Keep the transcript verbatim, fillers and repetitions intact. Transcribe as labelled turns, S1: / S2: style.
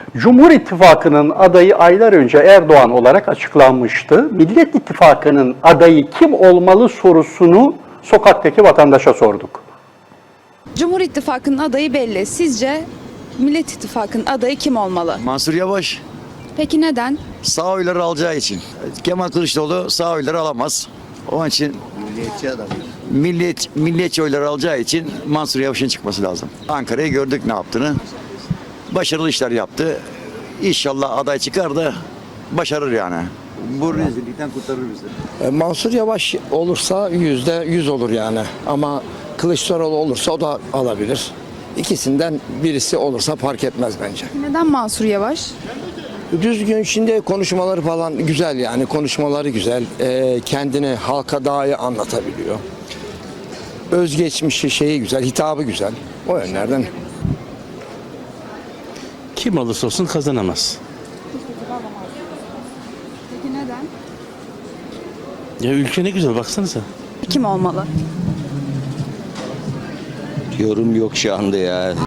S1: Cumhur İttifakı'nın adayı aylar önce Erdoğan olarak açıklanmıştı. Millet İttifakı'nın adayı kim olmalı sorusunu sokaktaki vatandaşa sorduk.
S2: Cumhur İttifakı'nın adayı belli. Sizce Millet İttifakı'nın adayı kim olmalı?
S3: Mansur Yavaş
S2: Peki neden?
S3: sağ oyları alacağı için. Kemal Kılıçdaroğlu sağ oyları alamaz. Onun için
S4: Milliyetçi adam.
S3: millet, milliyetçi oyları alacağı için Mansur Yavaş'ın çıkması lazım. Ankara'yı gördük ne yaptığını. Başarılı işler yaptı. İnşallah aday çıkar da başarır yani. Bu rezillikten kurtarır bizi.
S5: E, Mansur Yavaş olursa yüzde yüz olur yani. Ama Kılıçdaroğlu olursa o da alabilir. İkisinden birisi olursa fark etmez bence.
S2: Neden Mansur Yavaş?
S5: Düzgün, şimdi konuşmaları falan güzel yani. Konuşmaları güzel. E, kendini halka daha iyi anlatabiliyor. Özgeçmişi şeyi güzel, hitabı güzel. O yönlerden.
S6: Kim olursa olsun kazanamaz.
S2: Peki neden?
S6: Ya ülke ne güzel baksanıza.
S2: Kim olmalı?
S4: Yorum yok şu anda ya.